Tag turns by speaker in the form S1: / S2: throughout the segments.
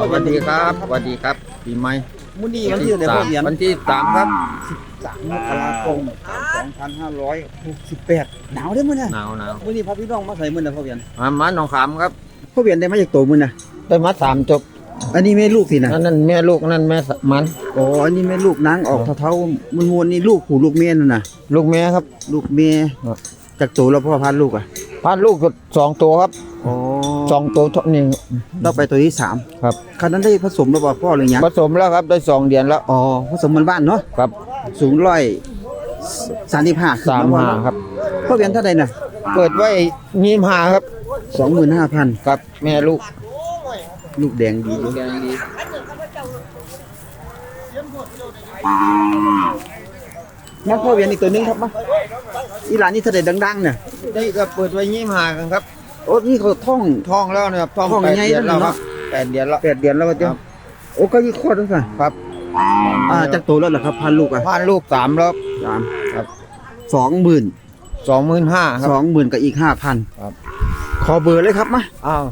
S1: วัสดีครับสวัสดีครับปีใหม่
S2: มื้อนี้วันที่เท่าไหร่พ่อเหรียญ
S1: วันที่3ครับ
S2: 3 มกราคม 2568หนาวเด้อมื้อน่ะ
S1: หนาว
S2: มื้อนี้พาพี่น้องมาใส่มื้อน่ะพ่อเหรียญ
S1: มาหนองขามครับ
S2: พ่อเหรียญได้มาจากโตมื้อน่ะ
S1: ได้มา3จบ
S2: อันนี้แม่ลูกสินะ
S1: นั่นแม่ลูกนั่นแม่มัน
S2: อ๋ออันนี้แม่ลูกนางออกเท่าๆมวนๆนี่ลูกผู้ลูกแม่นั่นน่ะ
S1: ลูกแม่ครับ
S2: ลูกแม่จากโตแล้วพ่อพันลูกอ่ะ
S1: พานลูกก็2ตัวครับ
S2: อ๋อ
S1: 2ตัวเท่านี้
S2: เราไปตัวที่3
S1: ครับ
S2: คันนั้นได้ผสมแล้วบ่พ่อหรือยัง
S1: ผสมแล้วครับได้2เดือนแล้ว
S2: อ๋อผสมบ้านๆเนาะ
S1: ครับ
S2: สูง135ขึ้นมาบ่
S1: 35ครับ
S2: พ่อเหรียญเท่าใดน่ะ
S1: เปิดไว้25ครับ
S2: 25,000
S1: ครับแม่ลูก
S2: ลูกแดงดีอยู่
S1: แดงดี
S2: งั้นพ่อเหรียญอีกตัวหนึงครับมาอีหลานนี่เท่าใดดังๆเนี่ย
S1: ได้ก็เปิดไว้25กันครับ
S2: โอ้นี่เขาท่อง
S1: ท้องแล้วนะครับท้อง
S2: ท้อง
S1: 8
S2: ใหญ่
S1: เดือนแล้ว
S2: แล้ว
S1: ค
S2: เนาะ
S1: รับ8เดือนแล้ว
S2: 8 เดือนแล้วว่าเจ้า
S1: ครับ
S2: โอ้ก็ยี่คลอดแล้วค่ะ
S1: ครับ
S2: จากโตแล้วเหรอครับพันลูกอ่ะ
S1: พานลูก3แล้ว
S2: 3
S1: ครับ
S2: 20,000
S1: 25,000ครับ
S2: 20,000กับอีก 5,000
S1: ครับ
S2: ขอเบอร์เลยครับมา
S1: อ้าว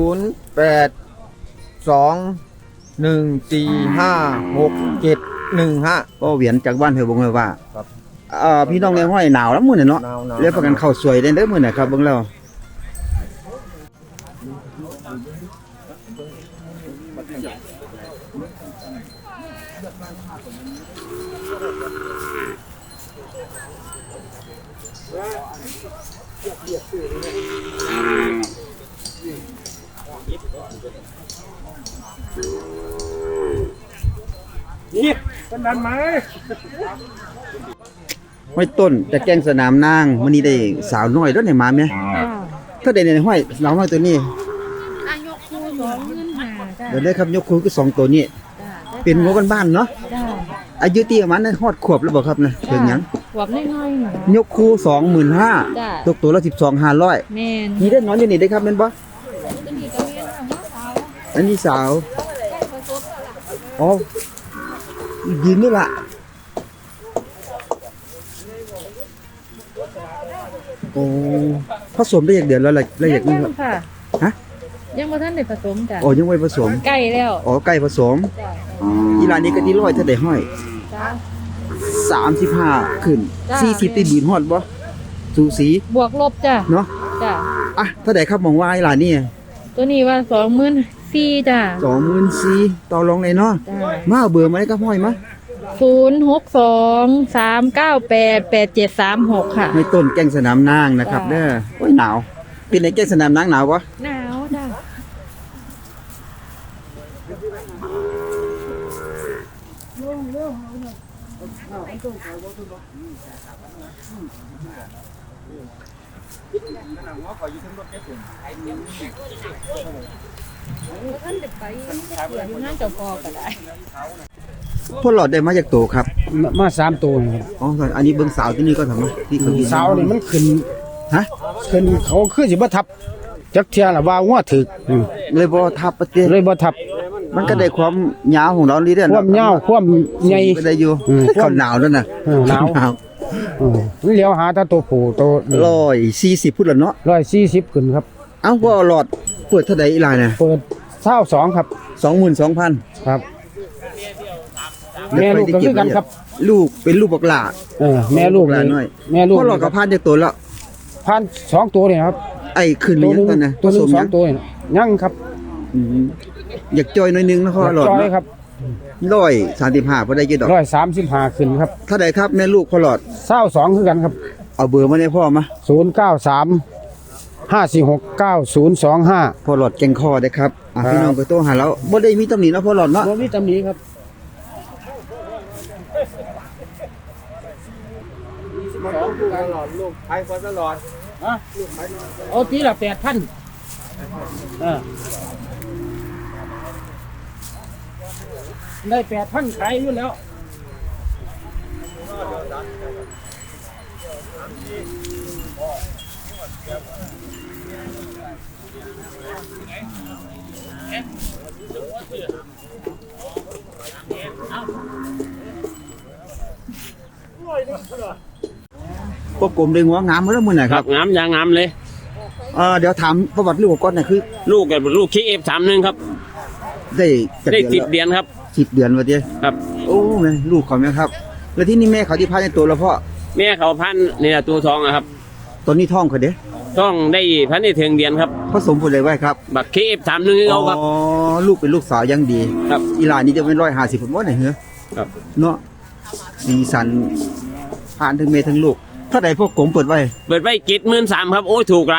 S1: 0821456715
S2: ก็เหวียนจากบ้านเฮยบงเลยว่า
S1: ครับ
S2: พี่น้องในห้อยหนาวแล้วมื้อนี้เนาะ
S1: หนาว
S2: แล้วประกันเข้าสวยได้เด้อมื้อนี้ครับเบิ่งแล้ว
S3: นี่เป็นนั้นไหม
S2: ห้อยต้นแต่แกงสนามนางมื้อนี้ได้สาวน้อยเด้อเนี่ยมาแม่ถ้าได้ในห้อยสาวน้อยตัวนี้
S4: อายกคู2,500จ้ะ
S2: เดี๋ยวได้ครับยกคูคือ2ตัวนี้
S4: จ้ะ
S2: เป็นงัวบ้านๆเนาะ
S4: จ้ะ
S2: อายุที่ประมาณนั้นฮอดขวบแล้วบ่ครับนะถึงหยัง
S4: หวับน้อยๆหน่อย
S2: ยกคู25,000
S4: จ้ะ
S2: ตกตัวละ12,500
S4: แม่น
S2: นี่ได้นอนอยู่นี่ได้ครับแม่นบ่
S4: ตัวนี้ก็เรียนว่าหัวสาว
S2: อันนี้สาว
S4: ได้ผสมแล้วล่ะ
S2: อ๋อยืนนี่ล่ะโอ้ผสมได้อย่างเดียวแล้วละเอียดนี่
S4: ยั
S2: ครับ
S4: ค่ะ
S2: ฮะ
S4: ยังบ่ทันได้ผสมจ้ะ
S2: อ๋อยังไม่ผสม
S4: ใกล้แล้ว
S2: อ๋อไก่ผสม
S4: จ้ะ
S2: อีรานนี้ก็ที่ร้อยเท่าได้ห้อย
S4: จ้ะ
S2: 35ขึ้น
S4: จ้ะ
S2: 40ตีบืนฮอดบ่สูสี
S4: บวกลบจ้ะ
S2: เนาะ
S4: จ้ะ
S2: อ่ะเท่าใดครับมองว่าอีรานนี่
S4: ตัวนี้ว่า24,000จ้ะ
S2: 24,000ต่อรองเลยเนาะ
S4: จ้ะ
S2: มาเอาเบอร์มาได้ครับห้อยมา
S4: 0623988736ค่ะ
S2: ในต้นแก้งสนามนางนะครับ
S4: จ้ะ
S2: เด้อโอ้ยหนาวเป็นไงแก้งสนามนางหนาวบ่
S4: หนาวจ้ะ ท่านเด็กไปเสียอยู่งานเจ้าพ่อก็ได้
S2: พ่อหลอดได้มาจากโตครับ
S3: มา3 ตัวนะครับ
S2: อ๋ออันนี้เบิ่งสาวที่นี่ก็ทำมาที่เขากิน
S3: สาวนี่มันขึ้น
S2: ฮะ
S3: ขึ้นเขาคือสิบ่ทับจักเที่ยล่ะว่าหัวถึก
S2: เลยบ่ทับประเทศ
S3: เลยบ่ทับ
S2: มันก็ได้ความยาวของเรานี่เด้อ
S3: ความยาวความใหญ่
S2: ก็ได้อยู่ เขาหนาวแล้วน่ะ
S3: หนาว มันเลี้ยวหาแต่ตัวผู้ตัว
S2: 140พุ่นละเนาะ
S3: 140ขึ้นครับ
S2: เอ้าพ่อหลอดเปิดเท่าใดอีหลายน่ะ
S3: เปิด22ครับ
S2: 22,000
S3: ครับ แม่ลูกก็คือกันครับ
S2: ลูกเป็นลูกบักหลา
S3: แม่ลูก
S2: หลา
S3: นี่
S2: น้อย
S3: แม่ลูก
S2: พ่อหลอดก็พานจากตัวแล้ว
S3: พัน2 ตัวนี่ครับ
S2: ไอ้ขึ้นหรือยังตอนน่ะ
S3: ตัวหนึ
S2: ผ
S3: ง
S2: สม
S3: สอ
S2: ยัง ง
S3: ตัวนี่ยังครับ
S2: อืมอยากจอยหน่อยนึงนะพ่อหลอด
S3: จอย
S2: เนาะ
S3: ครับ
S2: 135บ่ได้กี่ดอก
S3: 135ขึ้นครับ
S2: เท่าใดครับแม่ลูกพ่อหลอด
S3: 22คือกันครับ
S2: เอาเบอร์มาให้พ่อมา
S3: 093 546 9025
S2: พ่อหลอดแกงคอได้ครับ
S3: ครับ
S2: พี่น้องก็โทรหาเราบ่ได้มีตำหนิเนาะพ่อหลอดเนาะ
S3: บ่มีตำหนิครับเอาทีละ8,000ได้8,000ขายอยู่แล้ว
S2: พวกกลมได้งัวงามมาแล้วมื้อไหน
S5: ค
S2: ค
S5: รั
S2: รั
S5: บบ งามอย่างงามเลย
S2: เดี๋ยวถามประวัติลูกก่อนน่ะคือ
S5: ลูกกับลูกคิกF31ครับ
S2: ได้จัก
S5: ได้
S2: เดือน
S5: 10 เดือนครับ
S2: 10 เดือนว่าติ
S5: ครับ
S2: โอ้แม่ลูกเขาแม่ครับ แล้วที่นี่แม่เขาที่พาในตัวแล้วพ่อ
S5: แม่เขาพันเนี่ยตัวทองอะครับ
S2: ตอนนี้ท้องเขาเด้
S5: ต้องได้พันได้ถึงเดือนครับ
S2: ผสมผลอะไรไว้ครับ
S5: บักเคฟ31คือเขาครับ
S2: อ๋อลูกเป็นลูกสาวยังดี
S5: ครับ
S2: อีหลานนี่จะเป็น150ผมว่าไหนเหรอ
S5: ครับ
S2: เนาะสีสันผ่านทั้งแม่ทั้งลูกเท่าใดพวกกลมเปิดไว้
S5: เปิดไว้73,000ครับโอ้ยถูกไร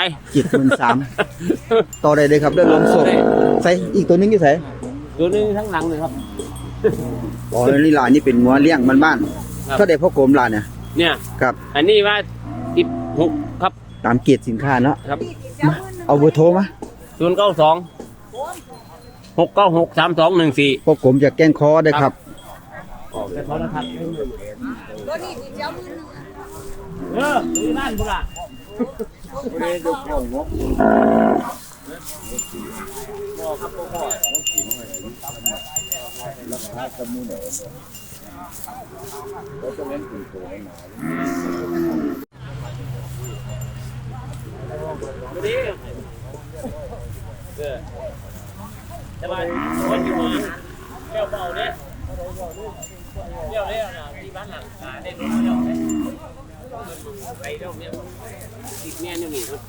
S2: 73,000ต่อได้เลยครับเรื่องลมสดใส่อีกตัวหนึงอยู่ไส
S5: ตัวนึงทั้งหลังเลยครับ
S2: อ๋อนี่หลานนี่เป็นงัวเลี้ยงบ้าน
S5: ครับ
S2: ๆเท่าใดพวกกลมหลานเนี่ย
S5: เนี่ย
S2: ครับ
S5: อันนี้ว่า16ครับ
S2: ตามเกรดสินค้าเนาะ
S5: ครับ
S2: เอาเบอร์โทรมา
S5: 092 696 3214
S2: พวกกลมจากแก้งคอได้ครับ
S5: นี่บ้านบุระ สบายคนอยู่มาเที่ยวเบาเนี่ยเที่ยวเนี่ยนะที่บ้านหลังได้ดูเที่ยวเนี่ยไปเที่ยวเนี่ยติดแน่นอยู่นี่ครับ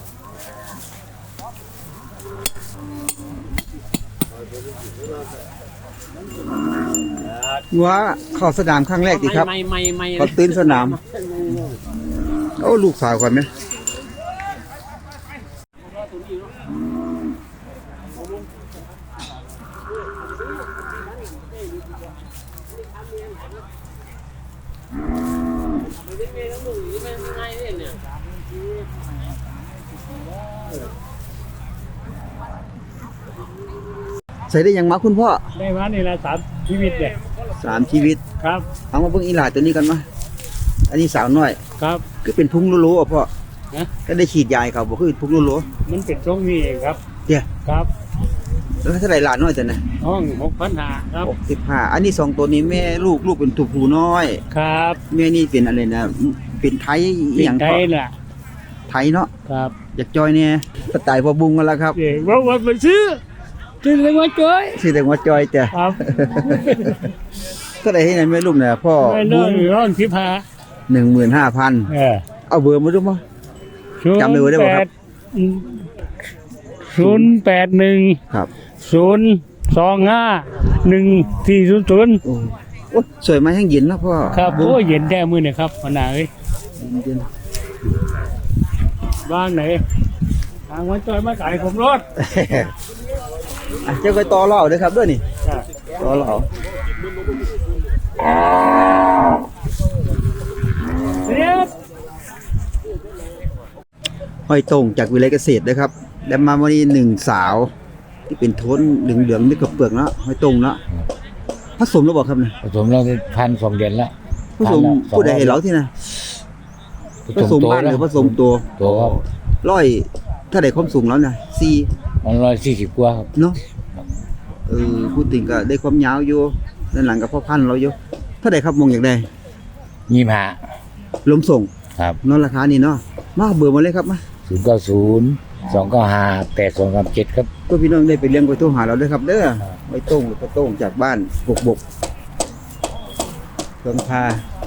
S2: งัวเข้าสนามครั้งแรกดีครับ
S5: ไม่
S2: เขาตื่นสนามโอ้ลูกสาวก่อนไหม ใส่ได้ยังมาคุณพ่อ
S3: ได้มานี่ละชีวิตเนี่ย
S2: 3 ชีวิต
S3: ครับ
S2: เอามาเบิ่งอีหลาตัวนี้กันมาอันนี้สาวน้อย
S3: ครับ
S2: ก็เป็นพุงโลๆอ่ะพ่อ
S3: นะ
S2: ก็ได้ฉีดยาให้เขาบ่คือพุงโล
S3: มันเป็นตรงนี้เองครับ
S2: ๆเดี๋ยว
S3: ครับ
S2: แล้วเท่าไหร่หลานน้อยแต่น่ะ
S3: ห้อง6,500ครับ
S2: 65อันนี้2ตัวนี้แม่ลูกเป็นตัวผู้น้อย
S3: ครับ
S2: แม่นี่เป็นอะไรนะเป็นไทยอ
S3: เป็น
S2: หยัง
S3: ไท
S2: พ่อย
S3: น่ะ
S2: ไทยเนาะ
S3: ครับ
S2: อยากจอยเนี่ยสไตล์พ่อบุงกันแล้วครับ
S3: เด็กว่าไปซื้อเลยว่าจ้อย
S2: ชื่อแต่ว่าจอยแต่
S3: ครับ
S2: ก็ได้ให้ในแม่ลูกเนี่ยพ่อ
S3: ไม่
S2: บุ
S3: น้อง
S2: ง
S3: ร้อน15,000
S2: 15,000เอาเบอร์มาดูมั้ย จำเบอร์ได้บ่ครับ
S3: 081
S2: ครับ
S3: 0251400
S2: โอ้สวยมาแห้งเย็นนะพ่อ
S3: ครับ
S2: บุ้ง
S3: โอ้เย็นแท้มื้อเนี่ยครับหัวหน้าเอ้ย
S2: เย็น
S3: บ้างไหนทางวันจอยมาขายผมรถ
S2: อ่ะเจ้าไปต่อเหล่าด้วยครับด้วยนี่
S3: ครับ
S2: ต่อเหล่า
S3: เรียบ
S2: ห้อยตรงจากวิเลยเกษตรนะครับแล้วมาวันนี้1สาวที่เป็นโทนเหลืองๆนี่กับเปลือกเนาะห้อยตรงเนาะผสมแล้วบอกครับเนี่ย
S6: ผสมเราได้1,200 เดือนแล้ว
S2: ผสมผู้ใดให้เราที่นะผสมบ้านหรือผสมตัว
S6: ตัวครับ
S2: ร้อยถ้าได้ความสูงแล้วนะ4
S6: มัน140 กว่าครับ
S2: เนาะพูดถึงก็ได้ความยาวอยู่ด้านหลังกับพ่อพันธุ์เราอยู่ถ้าได้ครับมองอยากได้
S6: 25
S2: ลมส่ง
S6: ครับ
S2: เนอนราคานี่เนาะมาเบอร์มาเลยครับมา
S6: 090 295 8237 ครับ
S2: เพื่อพี่น้องได้ไปเลี้ยงไว้โทรหาเราด้วยครับเด้อไว้ต้งหรือก็ต้งจากบ้านบกเครื่องพา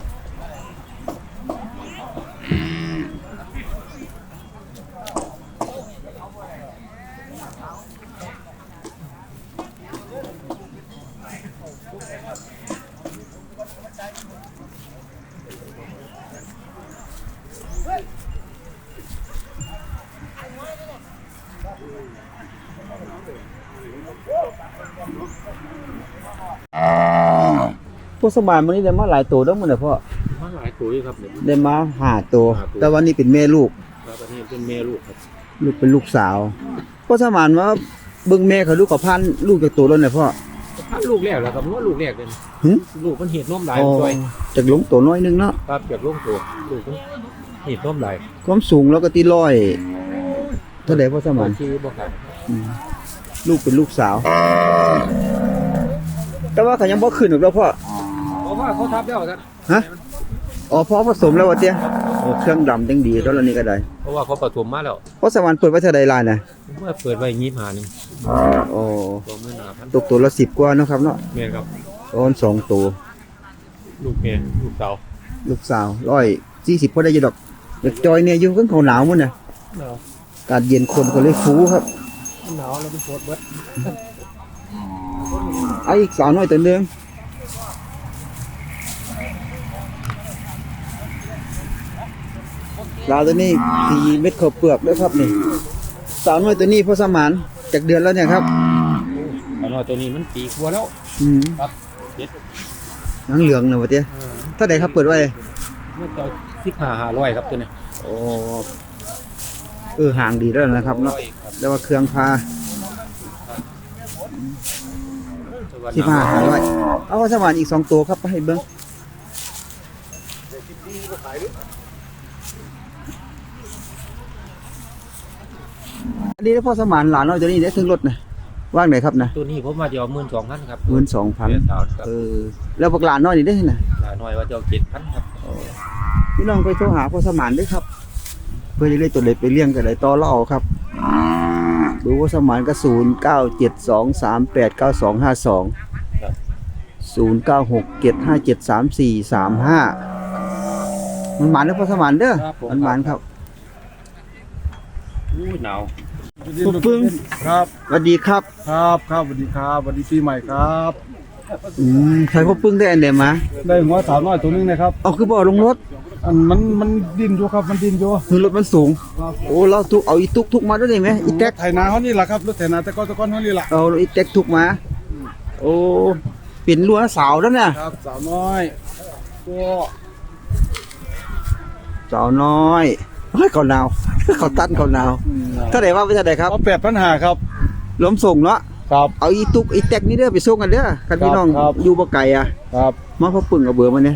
S2: พวกสมานวันนี้ได้มาหลายตัวแล้วมันน่ะพ่อ
S5: มาหลายตัวอยู่ครับเนี่ย
S2: ได้มา5ตัว แต่วันนี้เป็นแม่ลูก
S5: ครับอันนี้เป็นแม่ลูกครับ
S2: ลูกเป็นลูกสาวพวกสมานว่าเบิ่งแม่เขาลูกกับพันลูกจากตัวแล้วน่ะพ่อ
S5: พันลูกแรกแล้วครับว่าลูกแรกเลย
S2: หึ
S5: ลูกมันเห็ดนมหลาย
S2: อ๋อ
S5: ด้วย
S2: จากหลงตัวน้อยนึงเนาะ
S5: ครับเก็บลูกตัวลูกมันเห็ดนมหลาย
S2: ความสูงแล้วก็ที่ร้อยเท่าไหร่พ่อสมาน
S5: ชื่อบ่ครับ
S2: ลูกเป็นลูกสาว แต่ว่าเขายังบ่ขึ้นหรอกแล้วพ่อ
S5: เพราะว่าเขาทับแล้วท่าน
S2: ฮะอ๋อพ่อผสมแล้ววะเตี้ยโอ้เครื่องดำจังดีแล้วนี่ก็ได้
S5: เพราะว่าเขาผสมมาแล้ว
S2: พ่อสวรรค์เปิดไว้เท่าใดล่ะน่ะ
S5: เมื่อเปิดไว้25นึง
S2: อ๋อตกตัวละ10กว่าเนาะครับเนาะ
S5: เมียครับ
S2: ต้น2ตัว
S5: ลูกเมียลูกเต๋า
S2: ลูกสาว140พอได้อยู่ดอกเด็กจอยเนี่ยอยู่ข้างเขาหนาวมื้อน่ะ
S5: หนาว
S2: อากาศเย็นคนก็เลยฟูครับ
S5: หนาวแล้วเป็นโคตรเบิด
S2: เอาอีกสาวน้อยตัวหนึงลาวตัวนี้4เม็ดข้าวเปลือกด้วยครับนี่สาวน้อยตัวนี้พ่อสมานจากเดือนแล้วเนี่ยครับ
S5: อันน้อยตัวนี้มันปีกว่าแล้ว ครับเจ็ด
S2: หนังเหลืองนะวะเตี้ยเท่าไหร่ครับเปิดไว้
S5: เมื่อตอน15,500ครับตัวนี้
S2: โอ้ห่างดีแล้วนะครับเนาะแล้วว่าเครื่องพา15,500เอาพ่อสมานอีก2ตัวครับไปให้เบิ่งอันนี้พ่อสมานหลานน้อยตัวนี้ได้ถึงรถนะว่างไหนครับนะ
S5: ตัวนี้ผมมาจะเอา12,000ครับ
S2: 12,000แล้วพวกหลานน้อยนี่ได้ที่ไหน
S5: หลานน้อยว่าจะเอา7,000ครับ
S2: พี่น้องไปโทรหาพ่อสมานด้วยครับ เพื่อจะได้ตัวเล็กไปเลี้ยงกันได้ต่อเล่าครับดูพ่อสมานก็0972389252 0967573435มันหมานนะพ่อสมานเด้อมันหมานครับ
S5: อู้หนาว
S2: ทุกปึ้ง
S3: ครับ
S2: สวัสดีครับ
S3: ครับครับสวัสดีครับสวัสดีปีใหม่ครับ
S2: ใครพ่อปึ้งได้อันเดียมา
S3: ได้หัวสาวน้อยตัวนึงนะครับ
S2: เอาคือบ่อลงรถ
S3: อันมันดิ้นอยู่ครับมันดิ้นอยู่
S2: คือรถมันสูงโอ้เราทุกเอาอีตุกมาด้วยได้ไหมอีแท็ก
S3: ไถนาเขานี่แหละครับรถไถนาแต่ก้อนเขานี่แหละ
S2: เอาอีแท็กทุกมาโอ้เป็นรั้วสาวแล้วเนี่ย
S3: ครับสาวน้อยตัว
S2: สาวน้อยเฮ้ยเขาหนาว เขาตันเขาหนาวเท่าไหร่ว่าไปเท่าไหร่ครับ
S3: เอา8,500ครับ
S2: ล้มส่งเนาะ
S3: ครับ
S2: เอาอีตุกอีแตกนี่เด้อไปส่งกันเด้อคันพี่น้อง
S3: ครับ
S2: อยู่บ่ไกลอ่ะ
S3: ครับ
S2: มาพอปึ่งกับเบอร์มาเนี่ย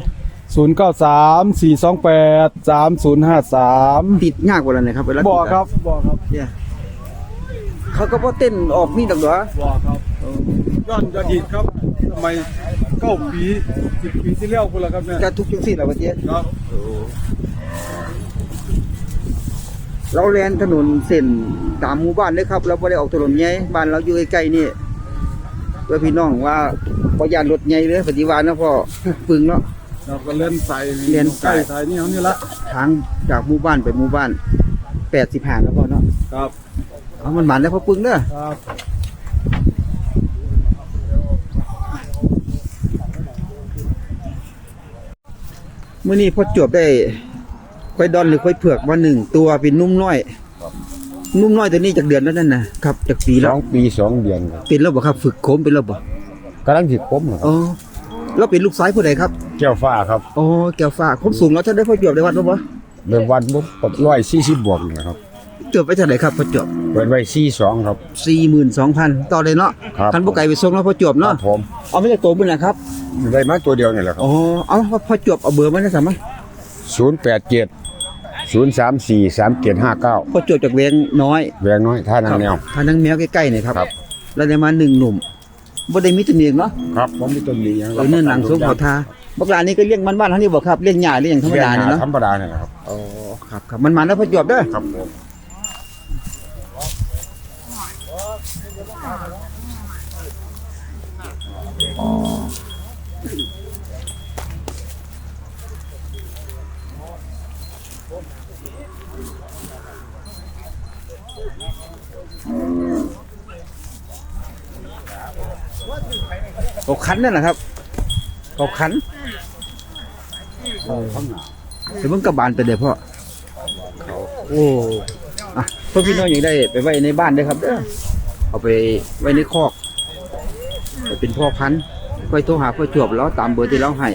S3: 0934283053
S2: ติดยากกว่านั้นเลยครับเวลา
S3: บ่อ
S2: ติดอะ
S3: ครับบ่อครับ
S2: เนี่ยเขาก็บ่เต้นออกนี่ดอกเหรอ
S3: บ่อครับย้อนอดีตครับสมัย9 ปี 10 ปีที่แล้วพุ่นละครับเนี่ย
S2: จะทุกจังซี่ล่ะว่าเจ๊
S3: ครับ
S2: เราแล่นถนนเส้นตามหมู่บ้านเด้อครับเราบ่ได้ออกถนนใหญ่บ้านเราอยู่ใกล้ๆนี่เพื่อพี่น้องว่าบ่ย่านรถใหญ่เด้อปฏิวัตินะพ่อปึ่งเนาะ
S3: เราก็เล่นใส่
S2: เล่นใส่
S3: ใส่นี่เขานี่ละ
S2: ทางจากหมู่บ้านไปหมู่บ้าน85แล้วพ่อเนาะ
S3: ครับ
S2: เอามันหมันแล้วพ่อปึ่งเด้อ
S3: ครับ
S2: มื้อนี้พ่อจวบได้ควายดอนหรือควายเผือกมา1ตัวเป็นนุ่มน้อยนุ่มน้อยตัวนี้จากเดือนแล้วนั่นน่ะครับจากปีแล้ว
S6: 2 ปี 2 เดือนครับ
S2: เป็นแล้วบ่ครับฝึกโคมเป็นแล้วบ่
S6: กำลังสิคมครับ
S2: อ๋อแล้วเป็นลูกซ้ายผู้ใดครับ
S6: แก้วฟ้าครับ
S2: อ๋อแก้วฟ้าความสูงแล้วท่านได้พ่อจวบได้วัดบ่
S6: ในวันปุ๊บ140บวกนี่ครับ
S2: จวบไปเท่าไหร่ครับพ่อจวบ
S6: เปิดไว้42ครับ
S2: 42,000ต่อเลยเนาะ
S6: ครับ
S2: คันบ่ไกลไปส่งแล้วพ่อจวบ
S6: ครั
S2: เนาะ
S6: บผม
S2: เอามาจากตัวมื้อนะครับ
S6: ได้มาตัวเดียวนี่แหละครับ
S2: อ๋อเอาพ่อจวบเอาเบอร์มาได้ซั่นมั้ย
S6: 087 034 3759
S2: พ่อจวบจากเวียงน้อย
S6: แวงน้อยท่านางแนว
S2: ทางนังแมวใกล้ๆนี่ครับ
S6: ครับ
S2: แล้วได้มา1หนุ่มบ่ได้มีตัวนี้เนาะ
S6: ครับผมมีต้นนี้
S2: เนื้อหนังสูงเขาทาบักหลานนี่ก็เลี้ยงบ้านๆเฮานี่บ่ครับเลี้ยงหญ้าเลี้ยงธรรมดานี่เนาะ
S6: ธรรมดาเนี่ยครับ
S2: อ๋อครับมันมาแล้วพ่อจวบเด้อ
S6: ครับผม
S2: เขาคันนั่นแหละครับเขาคันเดี๋ยวมึงกระบาลไปเดี๋ยวพ่อโอ้อะพ่อพี่น้องยังได้ไปไว้ในบ้านด้วยครับเด้อเอาไปไว้ในคอกไปเป็นพ่อพันธุ์ค่อยโทรหาพ่อจวบแล้วตามเบอร์ที่เราให้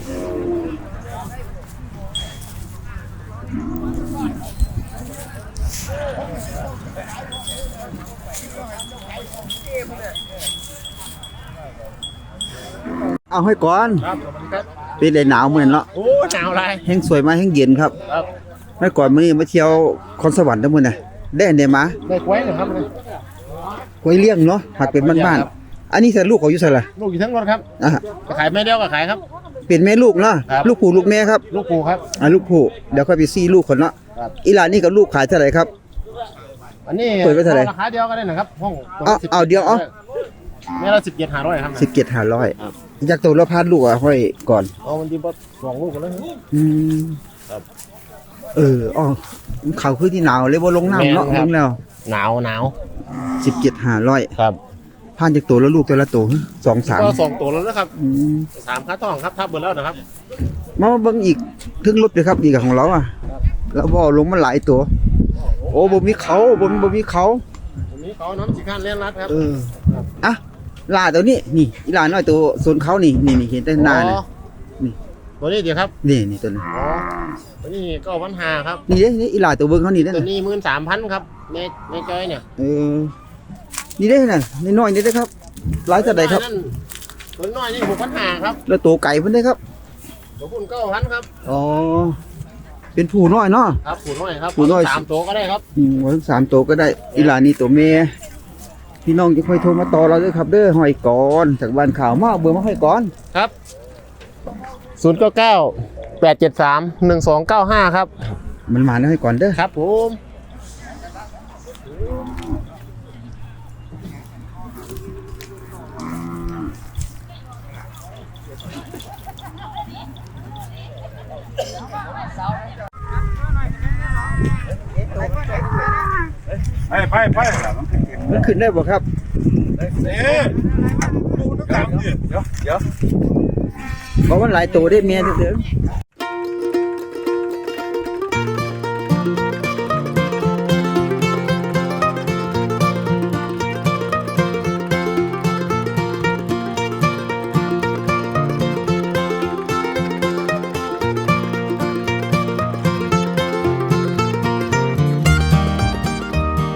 S2: เอาให้ก่อน
S5: ครับครับ
S2: เป็นได้หนาวเหมือนเนาะ
S5: โอ้หนาวอะไร
S2: แห้งสวยมาแห้งเย็นครับ
S5: ครับ
S2: เมื่อก่อนมื้อนี้มาเที่ยวคอนสวรรค์ทั้งมื้อน่ะได้อันใดมา
S5: ได้กล้วยเหรอครับ
S2: กล้วยเลี้ยงเนาะหักเป็นบ้านๆอันนี้ใส่ลูกเขาอยู่ใส่ล่ะ
S5: ลูกอยู่ทั้งรถครับ
S2: อ่ะ
S5: จะขายไม่เดียวก็ขายครับ
S2: เป็นแม่ลูกเนาะ
S5: ครับ
S2: ลูกผู้ลูกแม่ครับ
S5: ลูกปูครับ
S2: ลูกผู้เดี๋ยวค่อยไปซี่ลูกคนเนาะ
S5: ครับ
S2: อีหลานนี่กับลูกขายเท่าไหร่ครับ
S5: อันนี้
S2: เปิดไว้เท่าไหร่
S5: ราคาเดียวกันเลยนะครับห้อง
S2: เอาเดี๋ยวเอา
S5: แม่ละ17,500ครับ
S2: 17,500จากตัวละพันลูกอ่ะห้อยก่อน
S5: เอามันที่บ่2ลูกกันเลย
S2: อืม
S5: ครับ
S2: อ๋อเขาคือที่หนาวเลยบ่ลงน้ำเนาะ
S5: แม่นครับ
S2: ลงแล้ว
S5: หนาว
S2: 17,500
S5: ครับ
S2: พันจากตัวละลูกตัวละตัว2 3
S5: ก็2ตัวแล้วนะครับ
S2: อืม
S5: 3ค่าต้องครับทับเบิดแล้วนะครับ
S2: มาเบิ่งอีกถึงรถเลยครับอีกของเราอ่ะแล้วบ่ลงมาหลายตัว โอ้บ่มีเขาบ่มีเขา
S5: วันนี้เขาน้ำสิคันเล่นรัดครับ
S2: อ่ะลาตัวนี้นี่อีลาน้อยตัวโซนเขานี่เห็นแต่หน้าน่ะ นี่
S5: ตัวนี้เดี๋ยวครับ
S2: นี่ตัวนี้
S5: อ๋อตัวนี้ก็1,500ครับ
S2: นี่เด้นี่อีลาตัวเบิ่งเขานี่เด้
S5: ตัว
S2: น่ะ
S5: นี้13,000ครับในจอยเนี่ย
S2: นี่เด้น่ะน้อยๆนี่เด้อครับหลายเท่าใดครับ
S5: ตัวน้อยนี่6,500ครับ
S2: แล้วตัวไก่เพิ่นเด้อครับ
S5: ตัวคุณ9,000ครับ
S2: อ๋อเป็นผู้น้อยเนาะ
S5: ครับผู้น้อยครับ
S2: ผู้น้อย
S5: 3ตัวก็ได้ครับ
S2: ว่าทั้ง3ตัวก็ได้อีหลานี่ตัวแม่พี่น้องจะค่อยโทรมาต่อเราเด้อครับเด้อห้อยก่อนจากบ้านข่าวมาเอาเบอร์มาห้อยก่อน
S5: ครับ099-873-1295ครับ
S2: มันมาแล้วห้อยก่อนเด้อ
S5: ครับผม
S3: ไป
S2: มันขึ้นได้บ่ครับ
S3: เดี๋ยว
S2: เพราะมันหลายตัวได้เมียเด้อ